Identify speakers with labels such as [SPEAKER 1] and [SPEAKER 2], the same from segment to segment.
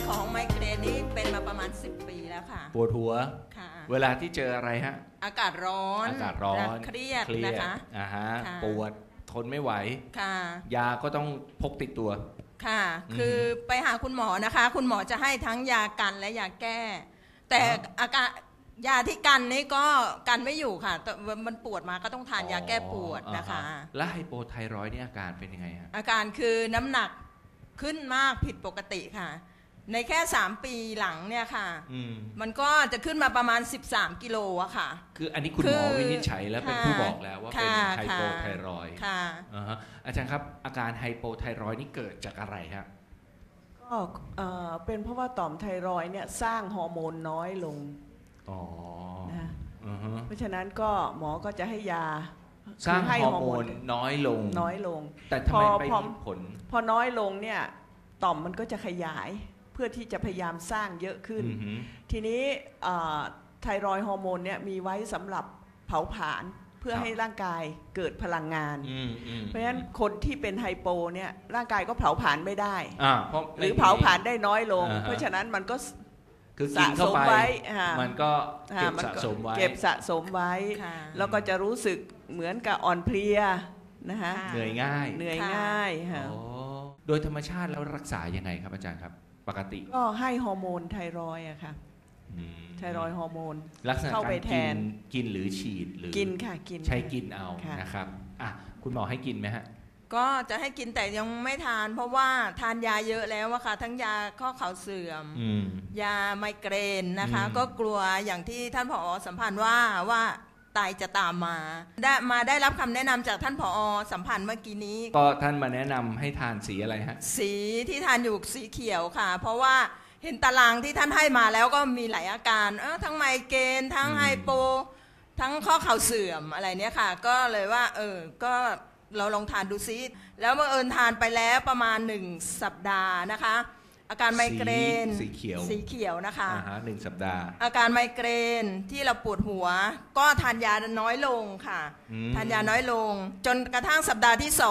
[SPEAKER 1] ของไมเกรนนี่เป็นมาประมาณ10 ปีแล้วค่ะ
[SPEAKER 2] ปวดหัว
[SPEAKER 1] ค่ะ
[SPEAKER 2] เวลาที่เจออะไรฮะ
[SPEAKER 1] อากาศร้อนเครียดนะคะ
[SPEAKER 2] ปวดทนไม่ไหว
[SPEAKER 1] ค่ะ
[SPEAKER 2] ยาก็ต้องพกติดตัว
[SPEAKER 1] ค่ะคือไปหาคุณหมอนะคะคุณหมอจะให้ทั้งยากันและยาแก้แต่อาการยาที่กันนี่ก็กันไม่อยู่ค่ะมันปวดมาก็ต้องทานยาแก้ปวดนะคะ
[SPEAKER 2] แล้วไฮโปไทรอยด์นี่อาการเป็นยังไงฮะ
[SPEAKER 1] อาการคือน้ำหนักขึ้นมากผิดปกติค่ะในแค่3 ปีหลังเนี่ยค่ะมันก็จะขึ้นมาประมาณ13 กิโลอะค่ะ
[SPEAKER 2] คืออันนี้คุณหมอวินิจฉัยแล้วเป็นผู้บอกแล้วว่าเป็นไฮโปไทรอยด์
[SPEAKER 1] ค่ะ
[SPEAKER 2] อาจารย์ครับอาการไฮโปไทรอยด์นี่เกิดจากอะไรฮะ
[SPEAKER 3] ก็เป็นเพราะว่าต่อมไทรอยด์เนี่ยสร้างฮอร์โมนน้อยลงนะเพราะฉะนั้นก็หมอก็จะให้ยา
[SPEAKER 2] สร้างฮอร์โมนน้อยลงแต่ทำไมไม่มีผล
[SPEAKER 3] พอน้อยลงเนี่ยต่อมมันก็จะขยายเพื่อที่จะพยายามสร้างเยอะขึ้นทีนี้ไทรอยด์ฮอร์โมนเนี่ยมีไว้สำหรับเผาผลาญเพื่อให้ร่างกายเกิดพลังงานเพราะฉะนั้นคนที่เป็นไฮโปเนี่ยร่างกายก็เผาผลาญไม่ได้หรือเผาผลาญได้น้อยลงเพราะฉะนั้นมันก็
[SPEAKER 2] คือกินเข้าไปมันก็เก็บสะส
[SPEAKER 3] มไว้แล้วก็จะรู้สึกเหมือนกับอ่อนเพลียนะคะ
[SPEAKER 2] เหนื่อยง่
[SPEAKER 3] ายค่ะ
[SPEAKER 2] โดยธรรมชาติแล้วรักษายังไงครับอาจารย์ครับปกติ
[SPEAKER 3] ก็ให้ฮอร์โมนไทรอยด์อะค่ะไทรอยด์ฮอร์โมน
[SPEAKER 2] ลักษณะการกินหรือฉีดหรือ
[SPEAKER 3] กินค่ะกิน
[SPEAKER 2] ใช้กินเอานะครับคุณหมอให้กินไหมฮะ
[SPEAKER 1] ก็จะให้กินแต่ยังไม่ทานเพราะว่าทานยาเยอะแล้วอะค่ะทั้งยาข้อเข่าเสื่อมยาไมเกรนนะคะก็กลัวอย่างที่ท่านผอ.สัมพันธ์ว่าตายจะตามมาได้รับคำแนะนำจากท่านผอ.สัมพันธ์เมื่อกี้นี้
[SPEAKER 2] ก็ท่านมาแนะนำให้ทานสีอะไรฮะ
[SPEAKER 1] สีที่ทานอยู่สีเขียวค่ะเพราะว่าเห็นตารางที่ท่านให้มาแล้วก็มีหลายอาการทั้งไมเกรนทั้งไฮโปทั้งข้อเข่าเสื่อมอะไรเนี้ยค่ะก็เลยว่าก็เราลองทานดูซิแล้วบังเอิญทานไปแล้วประมาณ1 สัปดาห์นะคะอาการไมเกรน
[SPEAKER 2] สีเ
[SPEAKER 1] ขียวนะคะ
[SPEAKER 2] 1 สัปดาห์
[SPEAKER 1] อาการไมเกรนที่เราปวดหัวก็ทานยาน้อยลงค่ะทานยาน้อยลงจนกระทั่งสัปดาห์ที่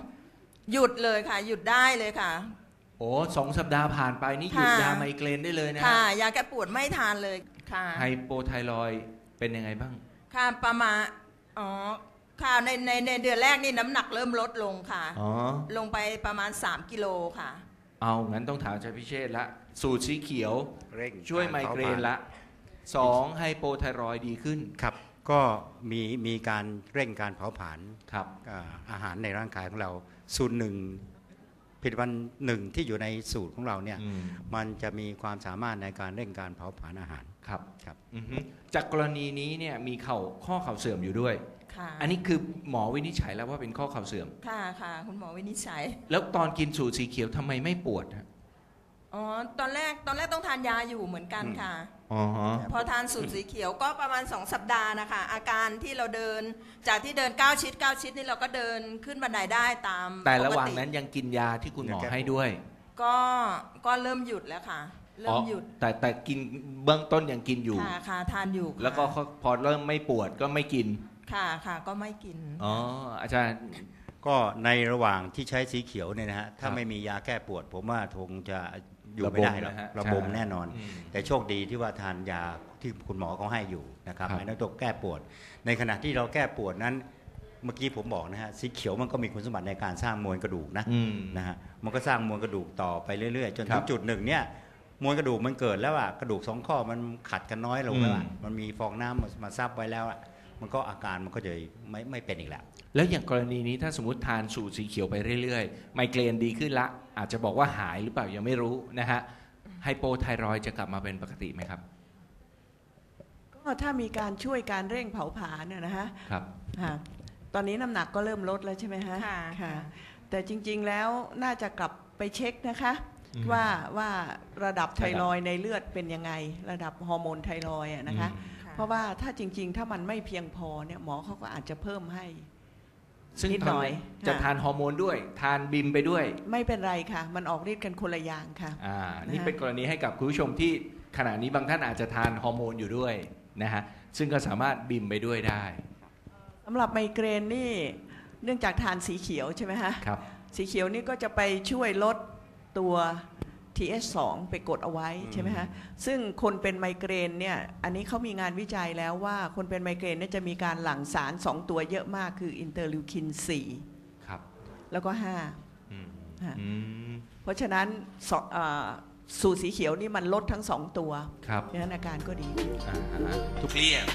[SPEAKER 1] 2หยุดเลยค่ะหยุดได้เลยค่ะ
[SPEAKER 2] โอ้2 สัปดาห์ผ่านไปนี่หยุดยาไมเกรนได้เลยนะ
[SPEAKER 1] ค่ะยาแก้ปวดไม่ทานเลยค่ะ
[SPEAKER 2] ไฮโปไทรอยด์เป็นยังไงบ้าง
[SPEAKER 1] ค่ะประมาณค่ะในเดือนแรกนี่น้ำหนักเริ่มลดลงค่ะลงไปประมาณ3 กิโลค่ะ
[SPEAKER 2] เอางั้นต้องถามอาจารย์พิเชษละสูตรสีเขียวช่วยไมเกรนละ2ไฮโปไทรอยด์ดีขึ้น
[SPEAKER 4] ครับก็มีการเร่งการเผาผลาญ
[SPEAKER 2] ครับ
[SPEAKER 4] อาหารในร่างกายของเราสูตรผลิตภัณฑ์หนึ่งที่อยู่ในสูตรของเราเนี่ยมันจะมีความสามารถในการเร่งการเผาผลาญอาหาร
[SPEAKER 2] ครับจากกรณีนี้เนี่ยมีข้อเข่าเสื่อมอยู่ด้วยอันนี้คือหมอวินิจฉัยแล้วว่าเป็นข้อเข่าเสื่อม
[SPEAKER 1] ค่ะคุณหมอวินิจฉัย
[SPEAKER 2] แล้วตอนกินสูตรสีเขียวทำไมไม่ปวด
[SPEAKER 1] ตอนแรกต้องทานยาอยู่เหมือนกันค่ะพอทานสูตรสีเขียวก็ประมาณ2 สัปดาห์นะคะอาการที่เราเดินจากที่เดิน9 ชิดนี่เราก็เดินขึ้นบันไดได้ตาม
[SPEAKER 2] แต่ระหว่างนั้นยังกินยาที่คุณหมอให้ด้วย
[SPEAKER 1] ก็เริ่มหยุดแล้วค่ะเริ่มหยุด
[SPEAKER 2] แต่กินเบื้องต้นยังกินอยู่
[SPEAKER 1] ค่ะทานอยู่
[SPEAKER 2] แล้วก็พอเริ่มไม่ปวดก็ไม่กิน
[SPEAKER 1] ค่ะก็ไม่กิน
[SPEAKER 2] อาจารย์
[SPEAKER 4] ก็ในระหว่างที่ใช้สีเขียวเนี่ยนะฮะถ้าไม่มียาแก้ปวดผมว่าคงจะอยู่ไม่ได้หรอกระบมแน่นอนแต่โชคดีที่ว่าทานยาที่คุณหมอเขาให้อยู่นะครับไอ้นั่นตัวแก้ปวดในขณะที่เราแก้ปวดนั้นเมื่อกี้ผมบอกนะฮะสีเขียวมันก็มีคุณสมบัติในการสร้างมวลกระดูกนะฮะมันก็สร้างมวลกระดูกต่อไปเรื่อยๆจนถึงจุดหนึ่งเนี่ยมวลกระดูกมันเกิดแล้วกระดูก2 ข้อมันขัดกันน้อยลงแล้วมันมีฟองน้ำมาซับไว้แล้วมันก็อาการมันก็จะไม่เป็นอีก
[SPEAKER 2] แล้วอย่างกรณีนี้ถ้าสมมติทานสูตรสีเขียวไปเรื่อยๆไมเกรนดีขึ้นละอาจจะบอกว่าหายหรือเปล่ายังไม่รู้นะฮะไฮโปไทรอยด์จะกลับมาเป็นปกติไหมครับ
[SPEAKER 3] ก็ถ้ามีการช่วยการเร่งเผาผลาญนะฮะ
[SPEAKER 2] ครับ
[SPEAKER 3] ตอนนี้น้ำหนักก็เริ่มลดแล้วใช่ไหมฮะค่ะแต่จริงๆแล้วน่าจะกลับไปเช็คนะคะว่าระดับไทรอยด์ในเลือดเป็นยังไงระดับฮอร์โมนไทรอยด์นะคะเพราะว่าถ้าจริงๆถ้ามันไม่เพียงพอเนี่ยหมอเขาก็อาจจะเพิ่มให้
[SPEAKER 2] ซึ่งนิดหน่อยจะทานฮอร์โมนด้วยทานบิมไปด้วย
[SPEAKER 3] ไม่เป็นไรค่ะมันออกฤทธิ์กันคนละอย่างค่ะ
[SPEAKER 2] นี่เป็นกรณีให้กับคุณผู้ชมที่ขณะนี้บางท่านอาจจะทานฮอร์โมนอยู่ด้วยนะฮะซึ่งก็สามารถบิมไปด้วยได้
[SPEAKER 3] สำหรับไมเกรนนี่เนื่องจากทานสีเขียวใช่ไหมฮะ
[SPEAKER 2] ครับ
[SPEAKER 3] สีเขียวนี่ก็จะไปช่วยลดตัว TH2 ไปกดเอาไว้ใช่ไหมฮะซึ่งคนเป็นไมเกรนเนี่ยอันนี้เขามีงานวิจัยแล้วว่าคนเป็นไมเกรนเนี่ยจะมีการหลั่งสาร2ตัวเยอะมากคืออินเตอร์ลิวคิน4
[SPEAKER 2] ครับ
[SPEAKER 3] แล้วก็5เพราะฉะนั้นสูตรสีเขียวนี่มันลดทั้ง2ตัว
[SPEAKER 2] ครับ
[SPEAKER 3] ดังนั้นอาการก็ดี
[SPEAKER 2] ทุกเลี่ย